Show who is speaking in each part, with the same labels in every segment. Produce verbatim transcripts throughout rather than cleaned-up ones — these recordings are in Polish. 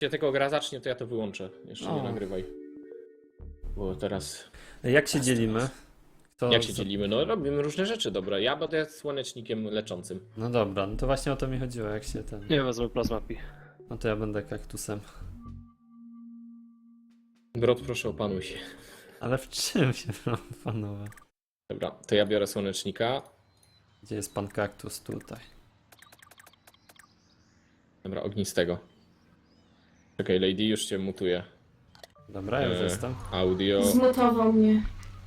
Speaker 1: Jak tego gra zacznie, to ja to wyłączę. Jeszcze nie
Speaker 2: O.
Speaker 1: nagrywaj. Bo teraz...
Speaker 2: Jak się dzielimy? Kto
Speaker 1: Jak się
Speaker 2: za-
Speaker 1: dzielimy? No robimy różne rzeczy, dobra. Ja będę słonecznikiem leczącym.
Speaker 2: No dobra, no to właśnie o to mi chodziło, jak się ten...
Speaker 3: Nie wezmę plazmapi.
Speaker 2: No to ja będę kaktusem.
Speaker 1: Brod, proszę opanuj się.
Speaker 2: Ale w czym się panowie?
Speaker 1: Dobra, to ja biorę słonecznika.
Speaker 2: Gdzie jest pan kaktus? Tutaj.
Speaker 1: Dobra, ognistego. Czekaj, Lady już cię mutuje.
Speaker 2: Dobra, już
Speaker 1: E,
Speaker 2: jestem.
Speaker 1: Audio.
Speaker 4: Zmutował mnie.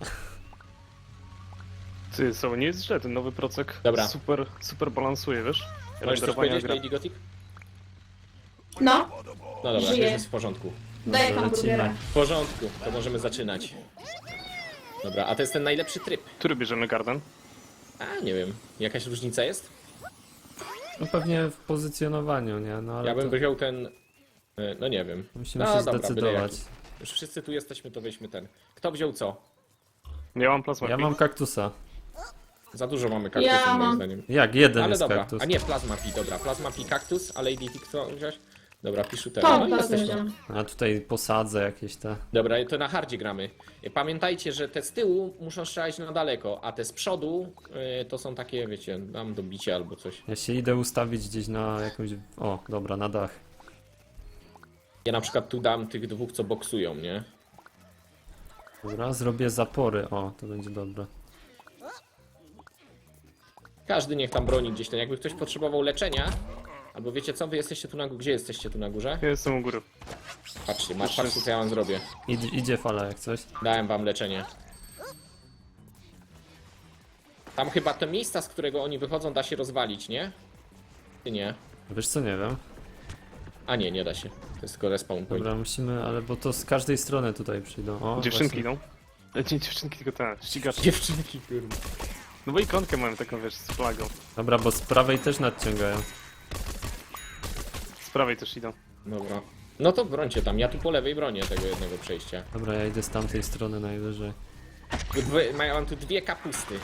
Speaker 3: Ty, co, nie jest źle, ten nowy procek
Speaker 1: Dobra.
Speaker 3: super, super balansuje, wiesz?
Speaker 1: Możesz coś
Speaker 3: Renderowanie
Speaker 1: powiedzieć,
Speaker 3: gra-
Speaker 1: Lady Gothic?
Speaker 4: No,
Speaker 1: No dobra,
Speaker 4: Żyję.
Speaker 1: jest w porządku.
Speaker 4: daj
Speaker 2: Dobra,
Speaker 4: hamburgera.
Speaker 2: lecimy.
Speaker 1: W porządku, to możemy zaczynać. Dobra, a to jest ten najlepszy tryb.
Speaker 3: Który bierzemy garden?
Speaker 1: A, nie wiem. Jakaś różnica jest?
Speaker 2: No pewnie w pozycjonowaniu, nie? No ale
Speaker 1: Ja bym
Speaker 2: to
Speaker 1: wziął ten... e, No nie wiem.
Speaker 2: musimy
Speaker 1: No
Speaker 2: się
Speaker 1: dobra, byle
Speaker 2: zdecydować.
Speaker 1: jaki. Już wszyscy tu jesteśmy, to weźmy ten. Kto wziął co?
Speaker 3: Ja mam plazmapi.
Speaker 2: Ja mam kaktusa.
Speaker 1: Za dużo mamy kaktusów
Speaker 4: Ja
Speaker 1: moim
Speaker 4: mam.
Speaker 1: zdaniem.
Speaker 2: Jak? Jeden
Speaker 1: Ale
Speaker 2: jest
Speaker 1: dobra,
Speaker 2: kaktus.
Speaker 1: a nie, Plasma Pi, dobra, Plasma Pi kaktus, a Lady T kto wziąłeś? Dobra, piszę
Speaker 4: To,
Speaker 1: teraz. No i
Speaker 4: to
Speaker 1: jesteśmy.
Speaker 4: wziąłem.
Speaker 2: A tutaj posadzę jakieś te...
Speaker 1: Dobra, to na hardzie gramy. Pamiętajcie, że te z tyłu muszą strzelać na daleko, a te z przodu y, to są takie, wiecie, dam do bicia albo coś.
Speaker 2: Ja się idę ustawić gdzieś na jakąś... O, dobra, na dach.
Speaker 1: Ja na przykład tu dam tych dwóch, co boksują, nie?
Speaker 2: Dobra, zrobię zapory. O, to będzie dobre.
Speaker 1: Każdy niech tam broni gdzieś ten. Jakby ktoś potrzebował leczenia, albo wiecie co, wy jesteście tu na górze. Gdzie jesteście tu na górze?
Speaker 3: Ja jestem u góry.
Speaker 1: Patrzcie, masz, patrzcie co ja wam zrobię.
Speaker 2: Idzie, idzie fala jak coś.
Speaker 1: Dałem wam leczenie. Tam chyba te miejsca, z którego oni wychodzą, da się rozwalić, nie? Czy nie?
Speaker 2: Wiesz co, nie wiem.
Speaker 1: A nie, nie da się. To jest tylko respawn point.
Speaker 2: Dobra, musimy, ale bo to z każdej strony tutaj przyjdą. O,
Speaker 3: Dziewczynki
Speaker 2: właśnie.
Speaker 3: idą. E, Nie dziewczynki, tylko te, ścigacze.
Speaker 1: Dziewczynki, kurde.
Speaker 3: No bo ikonkę mamy taką, wiesz, z flagą.
Speaker 2: Dobra, bo z prawej też nadciągają.
Speaker 3: Z prawej też idą.
Speaker 1: Dobra. No to brońcie tam, ja tu po lewej bronię tego jednego przejścia.
Speaker 2: Dobra, ja idę z tamtej strony najwyżej.
Speaker 1: Tu dwie, mają tu dwie kapusty.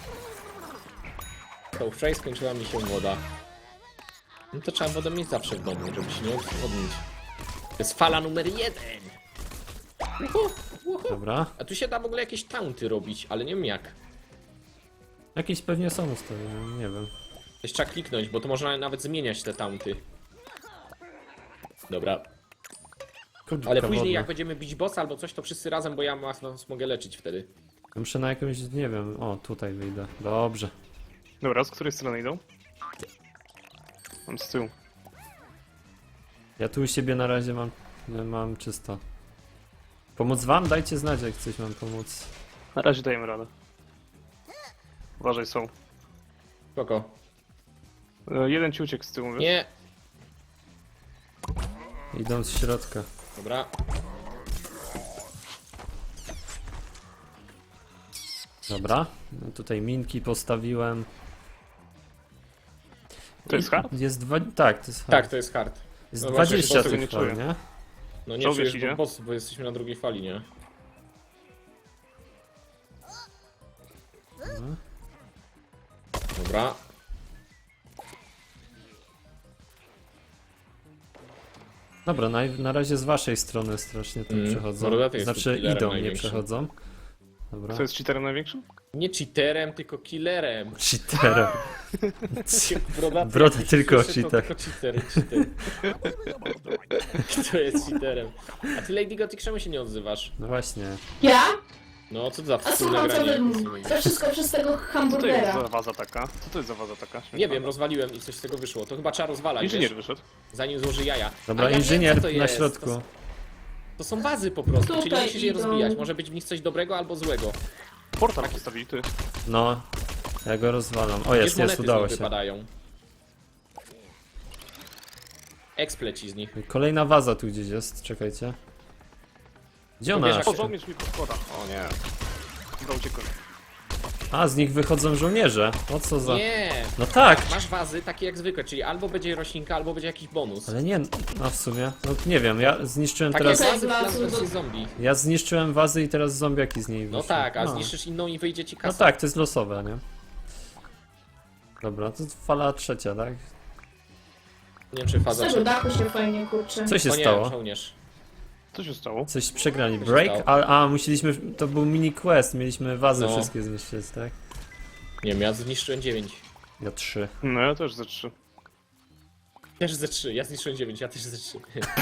Speaker 1: To wczoraj skończyła mi się woda. No to trzeba wodę mieć zawsze w domu, żeby się nie odwodnić. To jest fala numer jeden. Uhu, uhu.
Speaker 2: Dobra.
Speaker 1: A tu się da w ogóle jakieś taunty robić, ale nie wiem jak.
Speaker 2: Jakieś pewnie są ustawione, nie wiem.
Speaker 1: Jeszcze trzeba kliknąć, bo to można nawet zmieniać te taunty. Dobra,
Speaker 2: Kurczę,
Speaker 1: ale później
Speaker 2: wodna.
Speaker 1: jak będziemy bić bossa albo coś, to wszyscy razem, bo ja was was mogę leczyć wtedy.
Speaker 2: Ja muszę na jakąś, nie wiem, o tutaj wyjdę. Dobrze.
Speaker 3: Dobra, z której strony idą? Mam z tyłu.
Speaker 2: Ja tu u siebie na razie mam, mam czysto. Pomóc wam? Dajcie znać, jak coś mam pomóc.
Speaker 3: Na razie dajemy radę. Uważaj, są.
Speaker 1: Spoko.
Speaker 3: E, Jeden ci uciekł z tyłu, wiesz?
Speaker 1: Nie.
Speaker 2: Idą z środka.
Speaker 1: Dobra.
Speaker 2: Dobra. No tutaj minki postawiłem.
Speaker 3: To jest hard?
Speaker 2: Jest dwa... Tak, to jest hard.
Speaker 1: Tak, to jest hard.
Speaker 2: Jest
Speaker 1: no właśnie,
Speaker 2: dwadzieścia
Speaker 3: tego nie
Speaker 2: tych fal,
Speaker 3: czuję.
Speaker 2: nie?
Speaker 1: No nie
Speaker 3: Czołg
Speaker 1: czujesz,
Speaker 3: idzie?
Speaker 1: bo, boss, bo jesteśmy na drugiej fali, nie? Dobra.
Speaker 2: Dobra, na, na razie z waszej strony strasznie to
Speaker 1: Mm,
Speaker 2: przechodzą.
Speaker 1: Brodaty jest tu
Speaker 2: Znaczy
Speaker 1: killerem
Speaker 2: idą, nie
Speaker 1: największym.
Speaker 2: przechodzą. Dobra.
Speaker 3: Kto jest cheaterem największym?
Speaker 1: Nie cheaterem, tylko killerem.
Speaker 2: Cheaterem.
Speaker 1: Brodaty,
Speaker 2: Broda
Speaker 1: jak
Speaker 2: tylko
Speaker 1: słyszę, to
Speaker 2: cheater.
Speaker 1: Tylko cheater, cheater. Kto jest cheaterem? A ty Lady Gothic czemu się nie odzywasz?
Speaker 2: No właśnie.
Speaker 4: Ja?
Speaker 1: No co to za
Speaker 4: A
Speaker 1: wspólne
Speaker 4: słucham, co
Speaker 1: granie?
Speaker 4: wy... To wszystko przez tego
Speaker 3: Co to jest
Speaker 4: hamburgera.
Speaker 3: za waza taka? Co to jest za waza taka?
Speaker 1: Nie wiem, rozwaliłem i coś z tego wyszło. To chyba trzeba rozwalać,
Speaker 3: Inżynier
Speaker 1: wiesz,
Speaker 3: wyszedł.
Speaker 1: zanim złoży jaja.
Speaker 2: Dobra,
Speaker 1: A ja wiem,
Speaker 2: inżynier
Speaker 1: co to
Speaker 2: na
Speaker 1: jest.
Speaker 2: środku.
Speaker 1: To, to są bazy po prostu, czyli
Speaker 4: Tutaj
Speaker 1: musisz je
Speaker 4: idą.
Speaker 1: rozbijać. Może być w nich coś dobrego albo złego.
Speaker 3: Portal postawili, ty.
Speaker 2: No. Ja go rozwalam. O
Speaker 1: Wiesz,
Speaker 2: jest,
Speaker 1: monety
Speaker 2: jest,
Speaker 1: z
Speaker 2: udało
Speaker 1: nich
Speaker 2: się.
Speaker 1: wypadają. Ekspleci z nich.
Speaker 2: Kolejna waza tu gdzieś jest, czekajcie. Gdzie ona?
Speaker 1: Pobierz-
Speaker 3: O, żołnierz mi podkłada. O nie. Chyba uciekłem.
Speaker 2: A, z nich wychodzą żołnierze. O co za...
Speaker 1: Nie!
Speaker 2: No tak!
Speaker 1: Masz wazy takie jak zwykle, czyli albo będzie roślinka, albo będzie jakiś bonus.
Speaker 2: Ale nie, no w sumie, no nie wiem, ja zniszczyłem
Speaker 1: Takie
Speaker 2: teraz...
Speaker 1: jak
Speaker 4: Teraz-
Speaker 1: wazy w Plants versus. Zombie.
Speaker 2: Ja zniszczyłem wazy i teraz zombiaki z niej wyszły.
Speaker 1: No tak, a
Speaker 2: no.
Speaker 1: zniszczysz inną i wyjdzie ci
Speaker 2: No
Speaker 1: kasa.
Speaker 2: tak, to jest losowe, nie? Dobra, to fala trzecia, tak?
Speaker 1: Nie wiem czy
Speaker 4: Z
Speaker 1: faza
Speaker 4: tego dachu się fajnie kurczę.
Speaker 2: Co się
Speaker 1: O nie,
Speaker 2: stało?
Speaker 1: żołnierz.
Speaker 3: Co się stało?
Speaker 2: Coś przegrali.
Speaker 1: się
Speaker 2: Break?
Speaker 1: stało?
Speaker 2: A, a musieliśmy. To był mini quest, mieliśmy wazy
Speaker 1: No.
Speaker 2: wszystkie zniszczyć, tak?
Speaker 1: Nie wiem, ja zniszczyłem dziewięć.
Speaker 2: Ja trzy.
Speaker 3: No ja też ze trzy.
Speaker 1: Też ze trzy, ja zniszczyłem dziewięć, ja też ze trzy.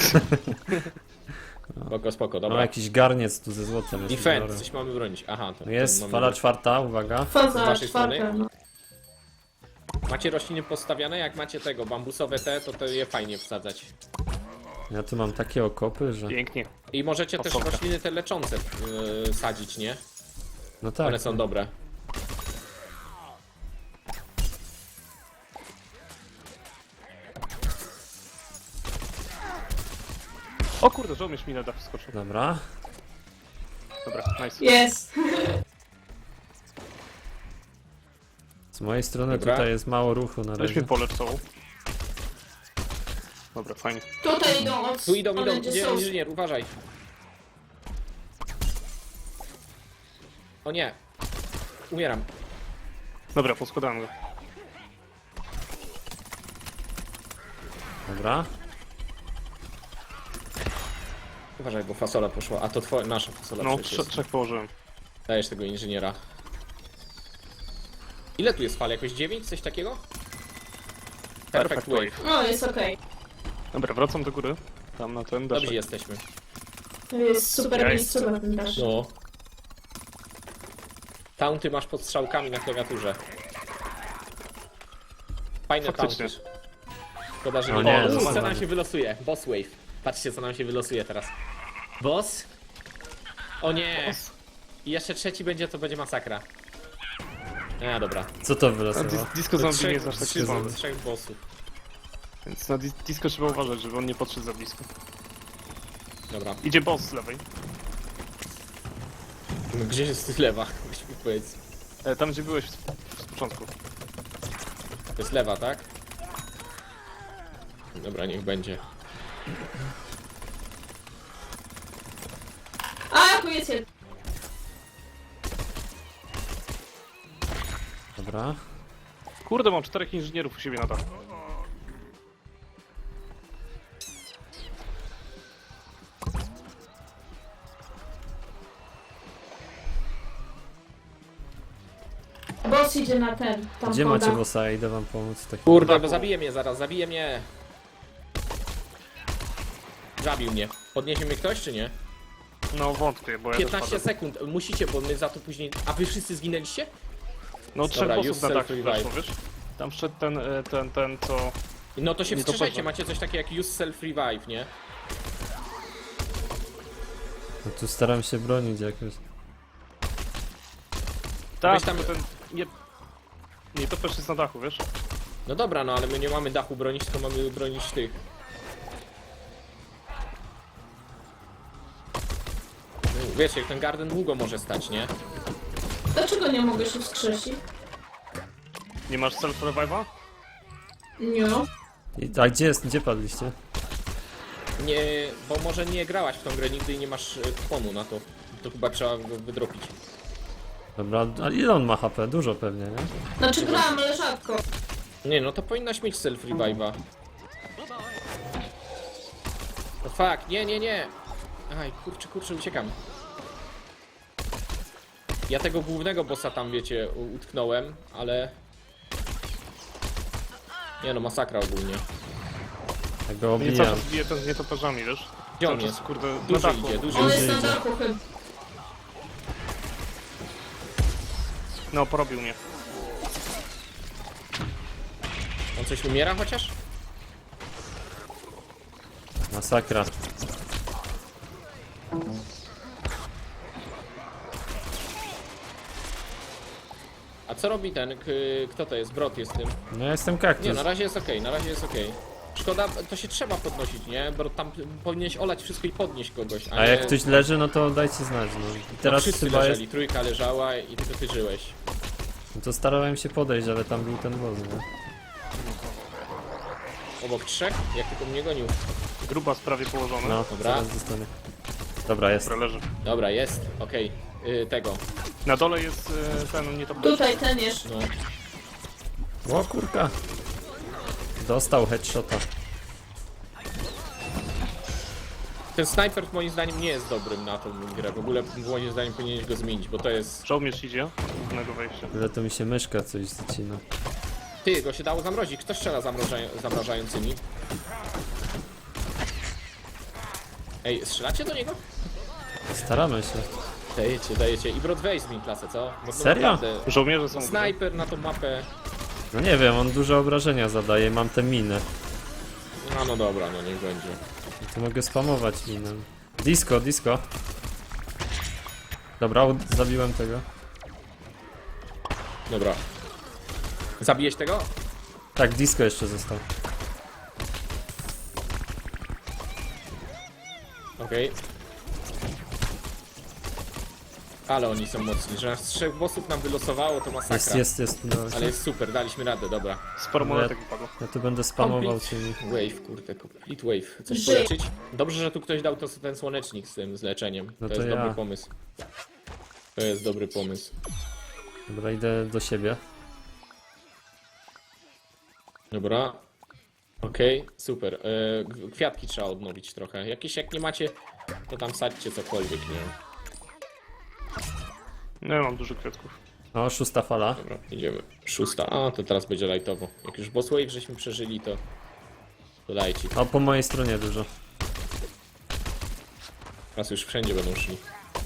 Speaker 1: Spoko, spoko,
Speaker 2: No
Speaker 1: dobra.
Speaker 2: jakiś garniec tu ze złotem jest.
Speaker 1: Defend,
Speaker 2: biorę.
Speaker 1: coś mamy bronić. Aha, to, to
Speaker 2: Jest
Speaker 1: mamy
Speaker 2: fala
Speaker 1: bronić.
Speaker 2: czwarta, uwaga.
Speaker 1: Z
Speaker 4: Faza
Speaker 1: waszej
Speaker 4: czwarta,
Speaker 1: strony?
Speaker 4: no.
Speaker 1: Macie rośliny postawiane? Jak macie tego, bambusowe te, to to je fajnie wsadzać.
Speaker 2: Ja tu mam takie okopy, że.
Speaker 3: Pięknie.
Speaker 1: I możecie też
Speaker 3: Fasolka.
Speaker 1: rośliny te leczące yy, sadzić, nie?
Speaker 2: No tak.
Speaker 1: One są dobre.
Speaker 3: O kurde, żołnierz mi na dach wskoczył.
Speaker 2: Dobra.
Speaker 3: Dobra, nice.
Speaker 4: Jest.
Speaker 2: Z mojej strony
Speaker 1: Dobra.
Speaker 2: tutaj jest mało ruchu na
Speaker 3: Weź
Speaker 2: razie.
Speaker 3: mnie polecz całą. Dobra, fajnie.
Speaker 4: Tutaj idą od
Speaker 1: Tu idą, idą,
Speaker 4: strony, gdzie
Speaker 1: gdzie
Speaker 4: są...
Speaker 1: inżynier, uważaj. O nie. Umieram.
Speaker 3: Dobra, poskładałem go.
Speaker 2: Dobra.
Speaker 1: Uważaj, bo fasola poszła. A to twoja, nasza fasola
Speaker 3: No,
Speaker 1: przecież
Speaker 3: trze
Speaker 1: jest.
Speaker 3: trzech położyłem.
Speaker 1: Dajesz tego inżyniera. Ile tu jest fal? Jakoś dziewięć? Coś takiego? Perfect wave.
Speaker 4: No, jest okej.
Speaker 3: Dobra, wracam do góry. Tam na ten
Speaker 1: Dobrzy
Speaker 3: daszek.
Speaker 1: jesteśmy.
Speaker 4: To jest super
Speaker 3: Ja
Speaker 4: miejsce na ten dasz.
Speaker 1: No. Taunty masz pod strzałkami na klawiaturze. Fajne
Speaker 3: Faktycznie.
Speaker 1: taunty. Szkoda, że
Speaker 2: O
Speaker 1: nie.
Speaker 2: nie,
Speaker 1: O, co
Speaker 2: zobacz.
Speaker 1: nam się wylosuje? Boss wave. Patrzcie, co nam się wylosuje teraz. Boss? O nie. I jeszcze trzeci będzie, to będzie masakra. A, dobra.
Speaker 2: Co to
Speaker 3: A
Speaker 2: wylosowało?
Speaker 3: dis disco zombie nie
Speaker 1: Trzech,
Speaker 3: jest aż tak
Speaker 1: trzy,
Speaker 3: szybko.
Speaker 1: trzech bossów.
Speaker 3: Więc na dis disco trzeba uważać, żeby on nie podszedł za blisko.
Speaker 1: Dobra.
Speaker 3: Idzie boss z lewej.
Speaker 1: No, gdzie jest lewa? Weź mi powiedz.
Speaker 3: E, tam gdzie byłeś z, z początku.
Speaker 1: To jest lewa, tak? Dobra, niech będzie.
Speaker 4: A, tu jest jeden.
Speaker 2: Dobra.
Speaker 3: Kurde, mam czterech inżynierów u siebie na dachu.
Speaker 4: Boss idzie na ten. Tam
Speaker 2: Gdzie
Speaker 4: woda.
Speaker 2: macie bossa? Idę wam pomóc. Tak.
Speaker 1: Kurde, bo zabije mnie zaraz, zabije mnie. Zabił mnie. Podniesie mnie ktoś, czy nie?
Speaker 3: No wątpię, bo ja też
Speaker 1: piętnaście
Speaker 3: padłem.
Speaker 1: sekund. Musicie, bo my za to później... A wy wszyscy zginęliście?
Speaker 3: No trzech
Speaker 1: Dobra,
Speaker 3: bossów
Speaker 1: use
Speaker 3: na dachu
Speaker 1: self-revive.
Speaker 3: weszło, wiesz? Tam wszedł ten, e, ten, ten, co...
Speaker 1: No to się
Speaker 3: Nie, to
Speaker 1: wstrzeszajcie,
Speaker 3: poza.
Speaker 1: macie coś takiego jak use self-revive, nie?
Speaker 2: No tu staram się bronić jakoś.
Speaker 3: Tak,
Speaker 1: Weź tam-
Speaker 3: tylko ten... Nie... Nie, to też jest na dachu, wiesz?
Speaker 1: No dobra, no ale my nie mamy dachu bronić, tylko mamy bronić tych. No, wiecie, jak ten garden długo może stać, nie?
Speaker 4: Dlaczego nie mogę się wskrzesić?
Speaker 3: Nie masz self-revive'a?
Speaker 4: Nie.
Speaker 2: I, a gdzie jest? Gdzie padliście?
Speaker 1: Nie, bo może nie grałaś w tą grę nigdy i nie masz e, kuponu na to. To chyba trzeba go wydropić.
Speaker 2: Dobra, a ile on ma H P? Dużo pewnie, nie?
Speaker 4: Znaczy grałam, ale rzadko.
Speaker 1: Nie, no to powinnaś mieć self-revive'a. No fuck, nie, nie, nie! Aj, kurczę, kurczę, uciekam. Ja tego głównego bossa tam, wiecie, u- utknąłem, ale... Nie no, masakra ogólnie.
Speaker 2: Ja go
Speaker 3: Nie cały
Speaker 2: obijam.
Speaker 3: czas bije ten z nietoperzami, wiesz?
Speaker 1: Gdzie on
Speaker 3: Cały
Speaker 1: jest?
Speaker 3: czas, kurde, na
Speaker 1: Duży
Speaker 3: dachu.
Speaker 1: idzie, duży
Speaker 4: On
Speaker 1: idzie.
Speaker 4: jest na
Speaker 2: idzie.
Speaker 4: dachu chyba.
Speaker 3: No, porobił mnie.
Speaker 1: On coś umiera chociaż?
Speaker 2: Masakra.
Speaker 1: A co robi ten, k- kto to jest? Brot jest tym.
Speaker 2: No ja jestem
Speaker 1: Nie,
Speaker 2: kaktus.
Speaker 1: na razie jest okej, na razie jest okej. Szkoda, to się trzeba podnosić, nie? Bo tam powinieneś olać wszystko i podnieść kogoś, a,
Speaker 2: A jak
Speaker 1: nie...
Speaker 2: ktoś leży, no to dajcie znać. No. I
Speaker 1: no,
Speaker 2: teraz
Speaker 1: wszyscy
Speaker 2: chyba jest.
Speaker 1: leżeli, trójka leżała i tylko ty żyłeś.
Speaker 2: No to starałem się podejść, ale tam był ten boss, nie?
Speaker 1: Obok trzech, jak tylko mnie gonił.
Speaker 3: Gruba sprawie położony.
Speaker 2: No,
Speaker 1: Dobra.
Speaker 2: zaraz dostanę. Dobra, jest.
Speaker 3: Dobra, leży.
Speaker 1: Dobra, jest, okej. Y, tego,
Speaker 3: Na dole jest e, ten nietoperz.
Speaker 4: Tutaj ten jeszcze.
Speaker 1: no.
Speaker 2: O kurka. Dostał headshota.
Speaker 1: Ten snajper moim zdaniem nie jest dobrym na tą grę. W ogóle moim zdaniem powinieneś go zmienić, bo to jest...
Speaker 3: Żołnierz idzie. Głównego wejścia.
Speaker 2: Ale to mi się myszka coś zacina.
Speaker 1: Ty, go się dało zamrozić. Kto strzela zamroża... zamrażającymi? Ej, strzelacie do niego?
Speaker 2: Staramy się.
Speaker 1: Dajecie, dajecie. I Brod weź zmień klasę, co? Bo to
Speaker 2: Serio?
Speaker 1: naprawdę-
Speaker 3: Żołnierze są.
Speaker 1: Snajper na tą mapę...
Speaker 2: No nie wiem, on duże obrażenia zadaje, mam te miny.
Speaker 1: No, no dobra, no niech będzie.
Speaker 2: To mogę spamować minem. Disco, disco. Dobra, ud- zabiłem tego.
Speaker 1: Dobra. Zabijesz tego?
Speaker 2: Tak, disco jeszcze został.
Speaker 1: Okej. Ale oni są mocni, że aż trzech bossów nam wylosowało, to masakra.
Speaker 2: Jest, jest, jest. Udało się.
Speaker 1: Ale jest super, daliśmy radę, dobra.
Speaker 3: Sporo monetek wypadło.
Speaker 2: Ja tu będę spamował
Speaker 1: Complete
Speaker 2: tymi.
Speaker 1: Wave, kurde, complete wave. Coś
Speaker 4: Żyje.
Speaker 1: poleczyć? Dobrze, że tu ktoś dał to, ten słonecznik z tym, z leczeniem.
Speaker 2: No
Speaker 1: to
Speaker 2: to
Speaker 1: jest
Speaker 2: ja.
Speaker 1: dobry pomysł. To jest dobry pomysł.
Speaker 2: Dobra, idę do siebie.
Speaker 1: Dobra. Okej, super. E, g- kwiatki trzeba odnowić trochę. Jakieś, jak nie macie, to tam sadźcie cokolwiek, nie wiem.
Speaker 3: No ja mam dużo kwiatków.
Speaker 2: O, szósta fala.
Speaker 1: Dobra, idziemy. Szósta. A, to teraz będzie lightowo. Jak już boss wave żeśmy przeżyli, to... To dajcie.
Speaker 2: O, po mojej stronie dużo.
Speaker 1: Teraz już wszędzie będą szli.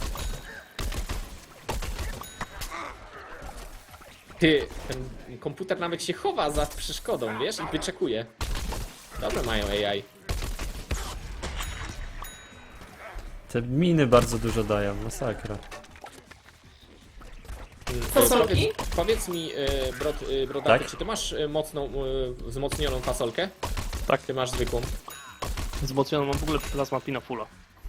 Speaker 1: Ty, ten komputer nawet się chowa za przeszkodą, wiesz? I wyczekuje. Dobre mają A I.
Speaker 2: Te miny bardzo dużo dają, masakra.
Speaker 4: Fasolki?
Speaker 1: Powiedz, powiedz mi, y, brod, y, brodaty,
Speaker 2: Tak?
Speaker 1: czy ty masz y, mocną, y, wzmocnioną fasolkę?
Speaker 3: Tak.
Speaker 1: Ty masz zwykłą.
Speaker 3: Wzmocniono mam w ogóle plazma pina fulla.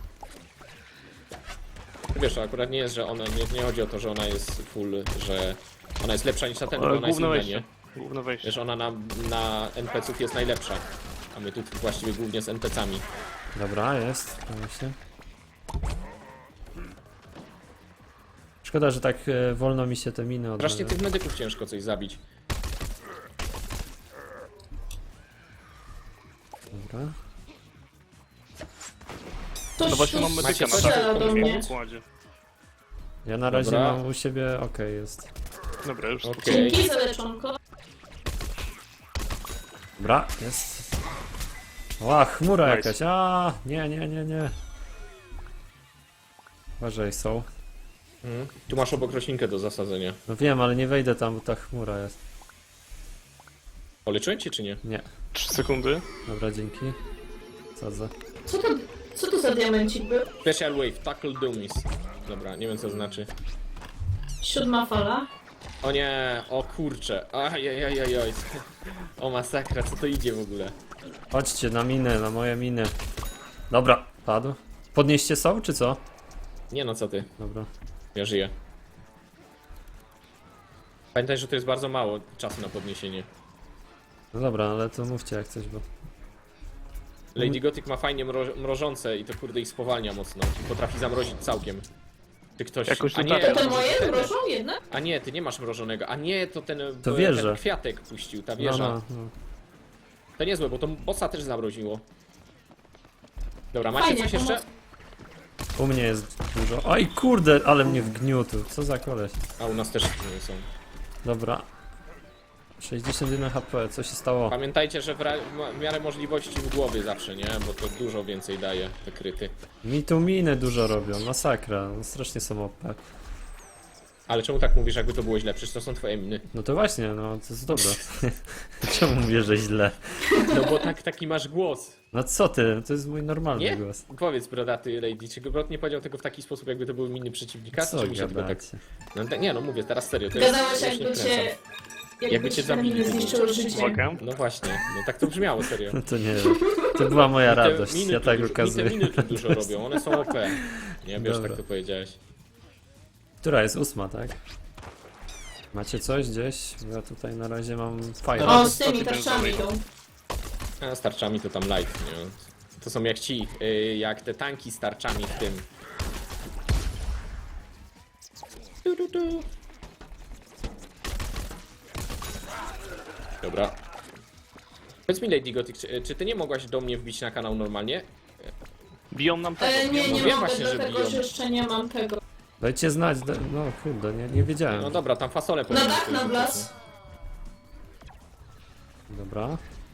Speaker 1: Wiesz, to akurat nie jest, że ona, nie, nie chodzi o to, że ona jest full, że ona jest lepsza niż na ten, bo
Speaker 3: Ale
Speaker 1: ona jest
Speaker 3: główne
Speaker 1: inna, nie?
Speaker 3: wejście. Główne wejście.
Speaker 1: Wiesz, ona na, na N P C-ów jest najlepsza. A my tu właściwie głównie z N P C-ami.
Speaker 2: Dobra, jest. Prawie się. Szkoda, że tak e, wolno mi się te miny
Speaker 1: Strasznie
Speaker 2: odnawia.
Speaker 1: tych medyków ciężko coś zabić.
Speaker 2: Dobra.
Speaker 4: Ktoś
Speaker 3: No właśnie mam
Speaker 4: tu
Speaker 3: medyka na
Speaker 4: strzela
Speaker 3: takim
Speaker 4: do mnie.
Speaker 3: pokładzie.
Speaker 2: Ja na razie
Speaker 1: Dobra.
Speaker 2: mam u siebie, okej jest.
Speaker 3: Dobra, już
Speaker 1: Okej.
Speaker 3: okay.
Speaker 4: Dzięki za leczonko.
Speaker 2: Dobra, jest. Ła, chmura
Speaker 3: Nice.
Speaker 2: jakaś, a nie, nie, nie, nie. Uważaj, są.
Speaker 1: Mhm. Tu masz obok roślinkę do zasadzenia.
Speaker 2: No wiem, ale nie wejdę tam, bo ta chmura jest.
Speaker 1: Poleczyłem cię czy nie?
Speaker 2: Nie.
Speaker 3: trzy sekundy.
Speaker 2: Dobra, dzięki. Sadzę.
Speaker 4: Co to, co to za diamencik był?
Speaker 1: Special Wave, Tackle Dummies. Dobra, nie wiem co to znaczy.
Speaker 4: Siódma fala.
Speaker 1: O nie, o kurcze. Ajajajajaj. O masakra, co to idzie w ogóle?
Speaker 2: Chodźcie na minę, na moje miny. Dobra, padł. Podnieście są, czy co?
Speaker 1: Nie no, co ty?
Speaker 2: Dobra.
Speaker 1: Ja żyję. Pamiętaj, że to jest bardzo mało czasu na podniesienie.
Speaker 2: No dobra, ale to mówcie jak coś, bo...
Speaker 1: Lady Gothic ma fajnie mro mrożące i to kurde ich spowalnia mocno. Potrafi zamrozić całkiem. Ty ktoś...
Speaker 3: Jakoś
Speaker 1: A
Speaker 3: to
Speaker 1: nie,
Speaker 3: tak.
Speaker 4: To te
Speaker 1: to
Speaker 4: moje
Speaker 1: ten-
Speaker 4: mrożą jedne?
Speaker 1: A nie, ty nie masz mrożonego. A nie, to ten,
Speaker 2: To
Speaker 1: ten
Speaker 2: wieża.
Speaker 1: kwiatek puścił, ta
Speaker 2: No,
Speaker 1: wieża.
Speaker 2: no, no.
Speaker 1: To niezłe, bo to bossa też zamroziło. Dobra, macie
Speaker 4: Fajnie,
Speaker 1: coś jeszcze?
Speaker 4: pomoc.
Speaker 2: U mnie jest dużo. Oj kurde, ale mnie wgniótł. Co za koleś.
Speaker 1: A u nas też nie są.
Speaker 2: Dobra. sześćdziesiąt jeden H P, co się stało?
Speaker 1: Pamiętajcie, że w, ra- w miarę możliwości w głowie zawsze, nie? Bo to dużo więcej daje, te kryty.
Speaker 2: Mi tu miny dużo robią, masakra. No, strasznie są O P.
Speaker 1: Ale czemu tak mówisz, jakby to było źle? Przecież to są twoje miny.
Speaker 2: No to właśnie, no to jest dobre. Czemu mówię, że źle?
Speaker 1: No bo tak, taki masz głos.
Speaker 2: No co ty, to jest mój normalny
Speaker 1: Nie?
Speaker 2: głos.
Speaker 1: Powiedz, brodaty Lady, czy Brod nie powiedział tego w taki sposób, jakby to były miny przeciwnika?
Speaker 2: Co
Speaker 1: czy mi się tylko tak...
Speaker 2: gadacie?
Speaker 1: No, tak- nie no, mówię teraz serio, to jest...
Speaker 4: Gadałeś
Speaker 1: ja się nie
Speaker 4: jakby
Speaker 1: kręcę.
Speaker 4: cię... Jakby,
Speaker 1: Jakby cię
Speaker 4: cię
Speaker 1: zabili.
Speaker 4: zabili. Zniszczyło życie.
Speaker 3: Uwaga.
Speaker 1: No właśnie, no tak to brzmiało, serio.
Speaker 2: No to nie wiem. To była moja
Speaker 1: Te
Speaker 2: radość,
Speaker 1: miny
Speaker 2: ja
Speaker 1: tu
Speaker 2: tak
Speaker 1: dużo-
Speaker 2: ukazuję.
Speaker 1: Mi te miny tu dużo robią, one są O P. Nie, wiesz,
Speaker 2: Dobra.
Speaker 1: tak to powiedziałeś.
Speaker 2: Która jest ósma, tak? Macie coś gdzieś? Ja tutaj na razie mam fajne.
Speaker 3: Dobra.
Speaker 4: O, z tymi
Speaker 3: Sto
Speaker 4: tarczami
Speaker 3: tysięcy
Speaker 4: idą.
Speaker 1: A z tarczami to tam light, nie? To są jak ci, y, jak te tanki z tarczami w tym. Tu, tu, tu. Dobra. Powiedz mi, Lady Gothic, czy, czy ty nie mogłaś do mnie wbić na kanał normalnie?
Speaker 3: Biją nam tego,
Speaker 4: E,
Speaker 3: biją
Speaker 4: nie,
Speaker 3: nam
Speaker 4: nie
Speaker 1: wiem
Speaker 4: mogę,
Speaker 1: właśnie, że
Speaker 4: dlatego
Speaker 1: biją.
Speaker 4: że jeszcze nie mam tego.
Speaker 2: Dajcie znać, da... no kurde, nie, nie wiedziałem.
Speaker 1: No dobra, tam fasolę
Speaker 4: Na
Speaker 1: powinien
Speaker 4: dach,
Speaker 1: ktoś
Speaker 4: na
Speaker 1: rzucić,
Speaker 4: blas.
Speaker 2: Dobra.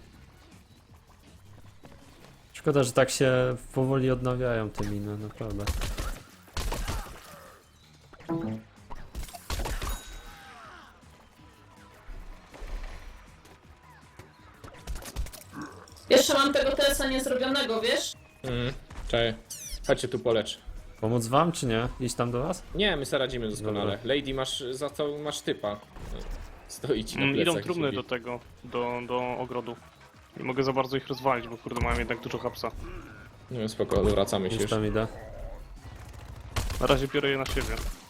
Speaker 2: Szkoda, że tak się powoli odnawiają te miny, naprawdę.
Speaker 4: Jeszcze mam tego T S a niezrobionego, wiesz?
Speaker 1: nie? Mhm. Czekaj. Chodźcie tu polecz.
Speaker 2: Pomóc wam, czy nie? Iść tam do was?
Speaker 1: Nie, my sobie radzimy doskonale. Lady, masz za co masz typa. Stoi ci na
Speaker 3: Mm,
Speaker 1: plecach.
Speaker 3: idą
Speaker 1: i
Speaker 3: trumny
Speaker 1: się
Speaker 3: do
Speaker 1: bije.
Speaker 3: tego, do, do ogrodu. Nie mogę za bardzo ich rozwalić, bo kurde mają jednak dużo hapsa.
Speaker 1: No spoko, wracamy się
Speaker 2: Już
Speaker 1: już.
Speaker 2: tam idę.
Speaker 3: Na razie biorę je na siebie.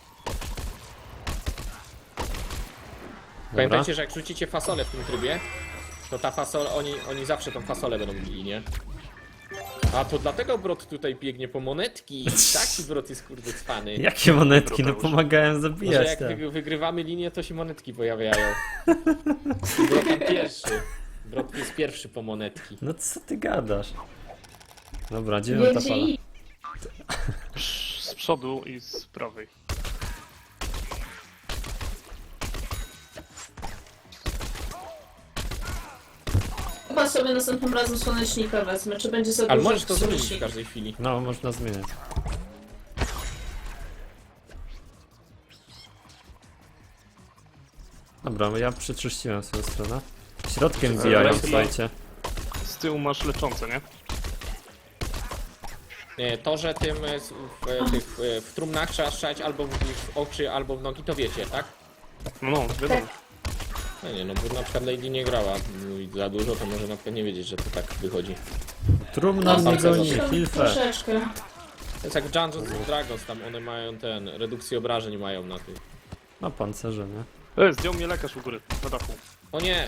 Speaker 2: Dobra.
Speaker 1: Pamiętajcie, że jak rzucicie fasolę w tym trybie, to ta fasola, oni, oni zawsze tą fasolę będą bili, nie? A to dlatego Brod tutaj biegnie po monetki. Taki Brod jest kurde cwany.
Speaker 2: Jakie monetki, no
Speaker 3: Broteusz.
Speaker 2: pomagałem
Speaker 1: Może
Speaker 2: zabijać
Speaker 1: jak
Speaker 2: te.
Speaker 1: wy, wygrywamy linię, to się monetki pojawiają. Brod tam pierwszy. Brod jest pierwszy po monetki.
Speaker 2: No co ty gadasz? Dobra,
Speaker 4: Wie
Speaker 2: dziewiąta
Speaker 4: gdzie
Speaker 2: fala.
Speaker 4: i...
Speaker 3: Z przodu i z prawej.
Speaker 4: Chyba sobie następnym razem słonecznika wezmę, czy będzie za
Speaker 1: Ale
Speaker 4: dużo
Speaker 1: możesz to zmienić w
Speaker 4: słonecznika?
Speaker 1: każdej chwili.
Speaker 2: No, można zmieniać. Dobra, ja przeczyściłem swoją stronę. Środkiem wbijają,
Speaker 3: Dobra,
Speaker 2: słuchajcie.
Speaker 3: Z tyłu masz leczące, nie?
Speaker 1: Nie, to, że tym e, s- w, e, tych, w, w trumnach trzeba strzelać albo w, w oczy, albo w nogi, to wiecie, tak?
Speaker 3: No, no, wiadomo.
Speaker 1: No nie, no bo na przykład Lady nie grała mówi za dużo, to może na przykład nie wiedzieć, że to tak wychodzi.
Speaker 2: Trumna mnie
Speaker 1: bardzo
Speaker 2: goni,
Speaker 1: dobrze.
Speaker 2: Hilfe.
Speaker 4: Troszeczkę.
Speaker 1: To jest jak w Dungeons and Dragons, tam one mają ten, redukcję obrażeń mają na tym.
Speaker 2: No pancerze, nie?
Speaker 3: E, zdjął mnie lekarz u góry, na dachu.
Speaker 1: O nie!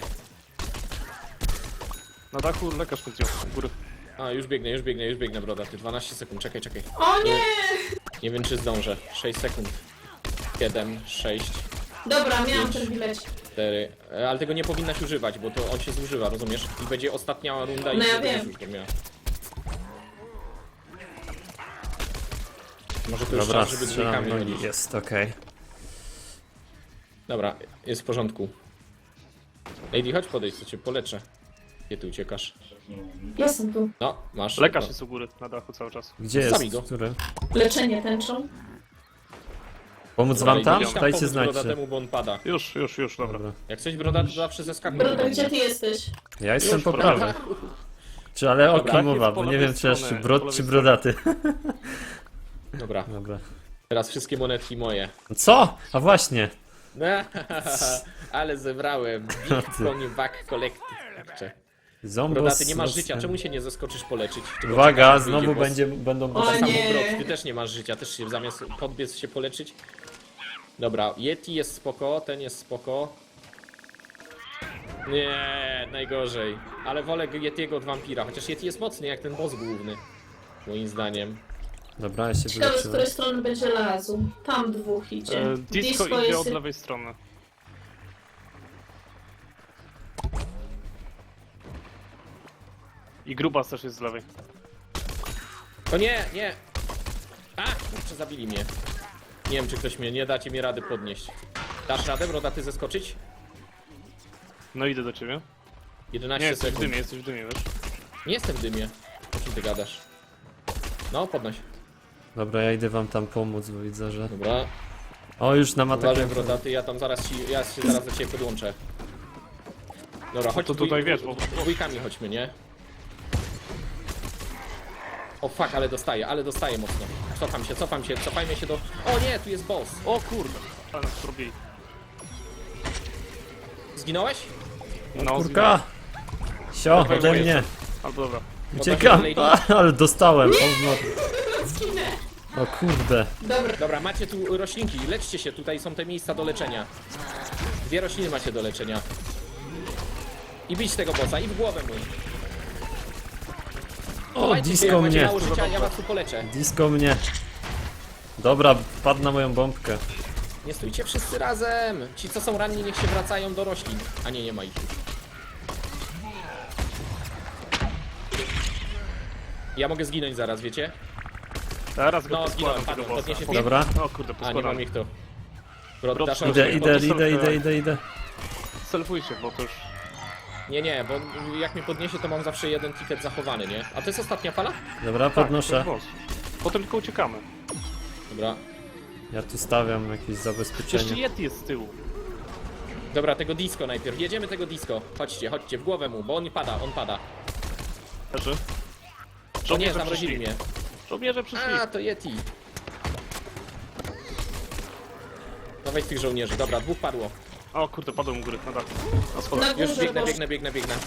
Speaker 3: Na dachu lekarz mnie zdjął u góry.
Speaker 1: A, już biegnę, już biegnę, już biegnę, broda, ty dwanaście sekund, czekaj, czekaj.
Speaker 4: O nie!
Speaker 1: Nie wiem czy zdążę. sześć sekund. siedem, sześć,
Speaker 4: Dobra, miałam
Speaker 1: Pięć.
Speaker 4: ten bilet.
Speaker 1: cztery. E, Ale tego nie powinnaś używać, bo to on się zużywa, rozumiesz? I będzie ostatnia runda i
Speaker 4: No ja
Speaker 1: wtedy
Speaker 4: wiem.
Speaker 1: już to miała. Może to już
Speaker 2: Dobra,
Speaker 1: czas, żeby
Speaker 2: strzelam
Speaker 1: dwójkami
Speaker 2: nogi,
Speaker 1: chodzić.
Speaker 2: jest okej.
Speaker 1: Dobra, jest w porządku. Lady, chodź podejść, co cię poleczę. Gdzie ty uciekasz?
Speaker 4: Jestem tu.
Speaker 1: No, masz.
Speaker 3: Lekarz
Speaker 1: no.
Speaker 3: jest u góry, na dachu cały czas.
Speaker 2: Gdzie
Speaker 1: Sami
Speaker 2: jest?
Speaker 1: go.
Speaker 2: Który?
Speaker 4: Leczenie tęczą.
Speaker 2: Pomóc
Speaker 1: Dobra,
Speaker 2: wam
Speaker 1: Lady,
Speaker 2: tam?
Speaker 1: idź tam
Speaker 2: Dajcie
Speaker 1: pomóc
Speaker 2: znać.
Speaker 1: brodatemu, bo on pada.
Speaker 3: Już, już, już, dobra.
Speaker 2: Dobra.
Speaker 1: Jak coś broda, to zawsze zeskakuj.
Speaker 4: Broda, gdzie ty jesteś?
Speaker 2: Ja jestem
Speaker 3: Już,
Speaker 2: po
Speaker 3: dobra.
Speaker 2: prawej. Czy ale o
Speaker 1: Dobra,
Speaker 2: kim
Speaker 3: jest
Speaker 2: mowa,
Speaker 3: po
Speaker 2: bo nie
Speaker 3: lewej
Speaker 2: wiem czy jeszcze
Speaker 3: stronie,
Speaker 2: brod
Speaker 3: po
Speaker 2: czy
Speaker 3: lewej
Speaker 2: brodaty.
Speaker 1: Dobra,
Speaker 2: Dobra.
Speaker 1: teraz wszystkie monetki moje.
Speaker 2: Co? A właśnie.
Speaker 1: Ale zebrałem.
Speaker 2: No
Speaker 1: Big
Speaker 2: ty.
Speaker 1: Pony Back Collective. Kurczę.
Speaker 2: Zombos.
Speaker 1: Brodaty, nie masz
Speaker 2: z-
Speaker 1: życia, czemu się nie zaskoczysz poleczyć? Tylko
Speaker 2: Uwaga,
Speaker 1: czekasz, aż
Speaker 2: znowu
Speaker 1: wyjdzie boss.
Speaker 2: będzie, będą
Speaker 4: O
Speaker 1: Tak samo
Speaker 4: nie.
Speaker 1: Brod, ty też nie masz życia, też się zamiast podbiec się poleczyć. Dobra, Yeti jest spoko, ten jest spoko. Nie, najgorzej. Ale wolę Yetiego od wampira, chociaż Yeti jest mocny jak ten boss główny. Moim zdaniem.
Speaker 2: Dobra, ja się
Speaker 4: Ciekawe, z
Speaker 2: wyleczyłem.
Speaker 4: której strony będzie lazu. Tam dwóch idzie.
Speaker 3: E, disco idzie
Speaker 4: jest...
Speaker 3: od lewej strony. I grubas też jest z lewej.
Speaker 1: O nie, nie! A, kurczę, zabili mnie. Nie wiem, czy ktoś mnie, nie dacie mi rady podnieść. Dasz radę, brodaty, zeskoczyć?
Speaker 3: No idę do ciebie. Nie,
Speaker 1: jedenaście
Speaker 3: jesteś w
Speaker 1: sekund.
Speaker 3: dymie, jesteś w dymie, wiesz?
Speaker 1: Nie jestem w dymie. O czym ty gadasz? No, podnoś.
Speaker 2: Dobra, ja idę wam tam pomóc, bo widzę, że...
Speaker 1: Dobra.
Speaker 2: O, już nam
Speaker 1: Uważaj,
Speaker 2: atakują.
Speaker 1: brodaty, ja tam zaraz ci, ja się zaraz do ciebie podłączę. Dobra, chodź
Speaker 3: to
Speaker 1: dwój-
Speaker 3: tutaj wiesz, bo-
Speaker 1: dwójkami chodźmy, nie? O fuck, ale dostaję, ale dostaję mocno. Cofam się, cofam się, cofajmy się do... O nie, tu jest boss.
Speaker 3: O kurde, ale nas zrobili.
Speaker 1: Zginąłeś?
Speaker 3: No,
Speaker 2: Kurka! Sio,
Speaker 3: Dawaj,
Speaker 2: ode
Speaker 3: dawaj,
Speaker 2: mnie!
Speaker 3: albo dobra.
Speaker 2: Uciekam!
Speaker 1: Lady.
Speaker 2: A, ale dostałem! O, no.
Speaker 4: Zginę.
Speaker 2: o kurde!
Speaker 4: Dobra.
Speaker 1: Dobra, macie tu roślinki, leczcie się, tutaj są te miejsca do leczenia. Dwie rośliny macie do leczenia. I bić tego bossa, i w głowę mu.
Speaker 2: O,
Speaker 1: Chowajcie się,
Speaker 2: disco
Speaker 1: jak macie
Speaker 2: mnie!
Speaker 1: mało życia, ja was tu poleczę.
Speaker 2: Disco mnie! Dobra, padł na moją bombkę.
Speaker 1: Nie stójcie wszyscy razem! Ci co są ranni niech się wracają do roślin. A nie, nie ma ich już. Ja mogę zginąć zaraz, wiecie?
Speaker 3: Teraz go
Speaker 1: No,
Speaker 3: poskładam
Speaker 1: zginąłem,
Speaker 3: tego
Speaker 1: padłem.
Speaker 3: bossa.
Speaker 1: Podniesie
Speaker 2: Dobra.
Speaker 3: O kurde,
Speaker 1: A, nie
Speaker 3: poskładam.
Speaker 1: mam ich tu. Brod,
Speaker 3: Brod,
Speaker 1: dasz
Speaker 3: idę,
Speaker 2: Idę,
Speaker 1: radę?
Speaker 2: idę,
Speaker 3: to są
Speaker 2: idę,
Speaker 3: te-
Speaker 2: idę, idę, idę, idę.
Speaker 3: Selfuj się, bo to już...
Speaker 1: Nie, nie, bo jak mnie podniesie, to mam zawsze jeden ticket zachowany, nie? A to jest ostatnia fala?
Speaker 2: Dobra,
Speaker 3: Tak, to
Speaker 2: podnoszę.
Speaker 3: jest boss. Potem tylko uciekamy.
Speaker 1: Dobra.
Speaker 2: Ja tu stawiam jakieś
Speaker 3: Jeszcze
Speaker 2: zabezpieczenie.
Speaker 3: Yeti jest z tyłu.
Speaker 1: Dobra, tego disco najpierw. Jedziemy tego disco. Chodźcie, chodźcie, w głowę mu, bo on pada, on pada.
Speaker 3: Leży.
Speaker 1: O nie,
Speaker 3: Żołnierze
Speaker 1: zamrozili
Speaker 3: przyszli.
Speaker 1: mnie.
Speaker 3: Żołnierze przyszli.
Speaker 1: A, to Yeti. Dawaj z tych żołnierzy. Dobra, dwóch padło.
Speaker 3: O kurde, padłem u góry, na dach. Na
Speaker 4: Na
Speaker 3: schodach.
Speaker 1: Już
Speaker 4: górze,
Speaker 1: biegnę,
Speaker 4: boż.
Speaker 1: biegnę, biegnę, biegnę.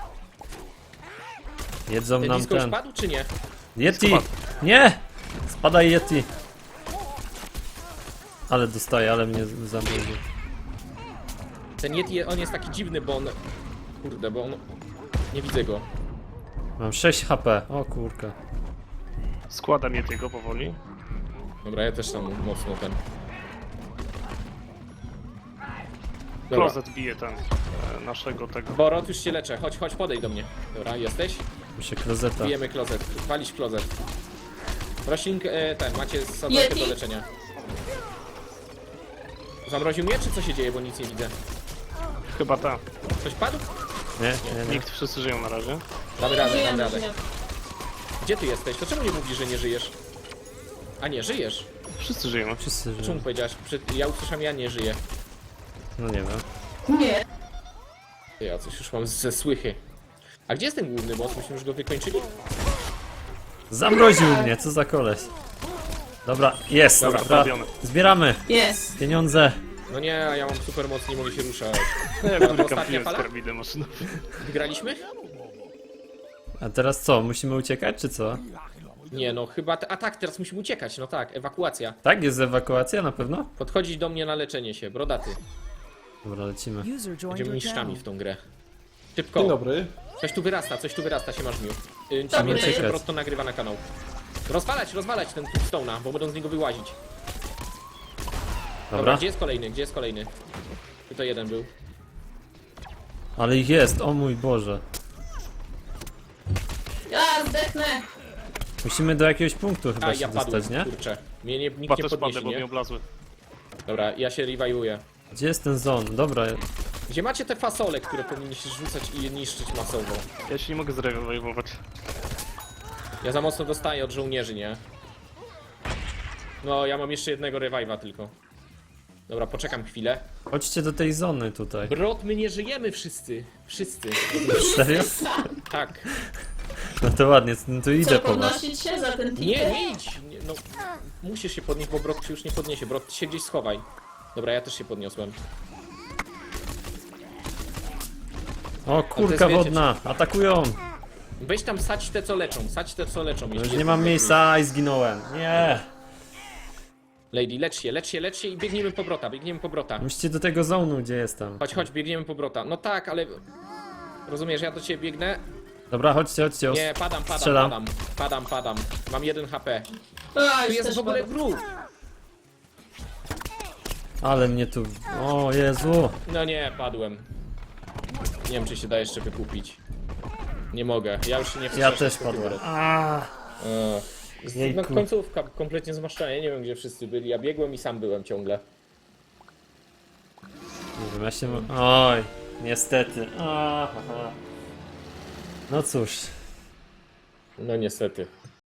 Speaker 2: Jedzą
Speaker 1: Ten
Speaker 2: nam
Speaker 1: disco już
Speaker 2: ten.
Speaker 1: padł, czy nie?
Speaker 2: Yeti!
Speaker 3: Spadł.
Speaker 2: Nie! Spadaj Yeti! Ale dostaję, ale mnie zamroził.
Speaker 1: Ten Yeti, on jest taki dziwny, bo on... Kurde, bo on... Nie widzę go.
Speaker 2: Mam sześć H P. O kurka.
Speaker 3: Składam Yetiego powoli.
Speaker 1: Dobra, ja też tam mocno ten... Dobra.
Speaker 3: Klozet bije ten, e, naszego tego.
Speaker 1: Borot, już się leczę. Chodź, chodź, podejdź do mnie. Dobra, jesteś?
Speaker 2: Muszę klozeta.
Speaker 1: Bijemy klozet. Walić klozet. Roślink, e, ten, macie sadzonkę
Speaker 4: Yeti?
Speaker 1: do leczenia. Zamroził mnie, czy co się dzieje, bo nic nie widzę?
Speaker 3: Chyba ta.
Speaker 1: Coś padł?
Speaker 2: Nie, nie, nie.
Speaker 3: Nikt, wszyscy żyją na razie.
Speaker 1: Damy radę, damy
Speaker 4: Żyjemy,
Speaker 1: radę.
Speaker 4: żyjemy.
Speaker 1: Gdzie ty jesteś? To czemu nie mówisz, że nie żyjesz? A nie, żyjesz.
Speaker 3: Wszyscy żyjemy.
Speaker 2: Wszyscy
Speaker 1: Czemu
Speaker 2: żyją.
Speaker 1: powiedziałaś? Przed... Ja usłyszałem, ja nie żyję.
Speaker 2: No nie wiem.
Speaker 4: Nie.
Speaker 1: Ja coś już mam ze słychy. A gdzie jest ten główny boss? Myśmy już go wykończyli?
Speaker 2: Zamroził mnie, co za koleś. Dobra, jest,
Speaker 1: Dobra,
Speaker 2: dobra.
Speaker 3: zrobione.
Speaker 2: Zbieramy
Speaker 4: Jest.
Speaker 2: pieniądze.
Speaker 1: No nie, a ja mam super moc, nie mogę się ruszać.
Speaker 3: No ja
Speaker 1: to
Speaker 3: góry
Speaker 1: ostatnia
Speaker 3: kampiłem z
Speaker 1: fala?
Speaker 3: karabinem maszyną.
Speaker 1: Wygraliśmy?
Speaker 2: A teraz co, musimy uciekać, czy co?
Speaker 1: Nie, no chyba... Te... A tak, teraz musimy uciekać, no tak, ewakuacja.
Speaker 2: Tak, jest ewakuacja na pewno?
Speaker 1: Podchodzić do mnie na leczenie się, brodaty.
Speaker 2: Dobra, lecimy.
Speaker 5: User joined
Speaker 1: Będziemy
Speaker 5: your
Speaker 1: mistrzami
Speaker 5: channel.
Speaker 1: w tą grę. Szybko.
Speaker 6: Dzień dobry.
Speaker 1: Coś tu wyrasta, coś tu wyrasta, się masz mił. Yy,
Speaker 4: Dobry.
Speaker 1: pamiętaj, że
Speaker 2: Czekać.
Speaker 1: Brod to nagrywa na kanał. Rozwalać, rozwalać ten Stone'a, bo będą z niego wyłazić. Dobra,
Speaker 2: Dobra,
Speaker 1: gdzie jest kolejny, gdzie jest kolejny? Tutaj jeden był.
Speaker 2: ale ich jest, o mój Boże.
Speaker 4: Ja zdechnę.
Speaker 2: Musimy do jakiegoś punktu chyba
Speaker 1: A,
Speaker 2: się
Speaker 1: ja padłem,
Speaker 2: dostać, nie?
Speaker 1: kurczę. Mnie nie,
Speaker 3: Chyba
Speaker 1: nikt nie
Speaker 3: też padnę,
Speaker 1: podniesie,
Speaker 3: bo mnie
Speaker 1: nie?
Speaker 3: oblazły.
Speaker 1: Dobra, ja się rewajłuję.
Speaker 2: Gdzie jest ten zon? Dobra,
Speaker 1: Gdzie macie te fasole, które powinniście rzucać i je niszczyć masowo?
Speaker 3: Ja się nie mogę zrewajwować.
Speaker 1: Ja za mocno dostaję od żołnierzy, nie? No, ja mam jeszcze jednego revive'a tylko. Dobra, poczekam chwilę.
Speaker 2: chodźcie do tej zony tutaj.
Speaker 1: Brod, my nie żyjemy wszyscy. Wszyscy.
Speaker 2: Serio?
Speaker 1: Tak.
Speaker 2: No to ładnie, no to idę
Speaker 4: Co,
Speaker 2: po was.
Speaker 4: podnosić się za ten ticket?
Speaker 1: Nie, nie idź! Nie, no, musisz się podnieść, bo Brod się już nie podniesie. Brod, się gdzieś schowaj. Dobra, ja też się podniosłem.
Speaker 2: O, kurka
Speaker 1: wiecie,
Speaker 2: wodna, atakują!
Speaker 1: Weź tam sać te, co leczą. Sać te, co leczą.
Speaker 2: No
Speaker 1: jeśli
Speaker 2: już
Speaker 1: jest
Speaker 2: nie mam
Speaker 1: taki
Speaker 2: miejsca i zginąłem. Nie!
Speaker 1: Lady, lecz się, lecz się, lecz się i biegniemy po Brota, biegniemy po Brota.
Speaker 2: Musicie do tego zonu, gdzie jestem.
Speaker 1: Chodź, chodź, biegniemy po Brota. No tak, ale... Rozumiesz, ja do ciebie biegnę?
Speaker 2: Dobra, chodźcie, chodźcie.
Speaker 1: Nie, padam, padam,
Speaker 2: Strzelam.
Speaker 1: padam. Padam, padam. Mam jeden H P.
Speaker 4: A,
Speaker 1: Tu
Speaker 4: już
Speaker 1: jest
Speaker 4: też
Speaker 1: w ogóle
Speaker 4: padł.
Speaker 1: wróg.
Speaker 2: Ale mnie tu... O Jezu!
Speaker 1: No nie, padłem. Nie wiem, czy się da jeszcze wykupić. Nie mogę, ja już się nie
Speaker 2: Ja
Speaker 1: wstrzeszam
Speaker 2: też
Speaker 1: z tego
Speaker 2: padłem.
Speaker 1: Brota.
Speaker 2: A,
Speaker 1: Ech.
Speaker 2: Jejku.
Speaker 1: No końcówka kompletnie zmaszczona, ja nie wiem, gdzie wszyscy byli. Ja biegłem i sam byłem ciągle.
Speaker 2: Nie wiem, ja się... Oj, niestety. Aha. No cóż.
Speaker 1: No niestety.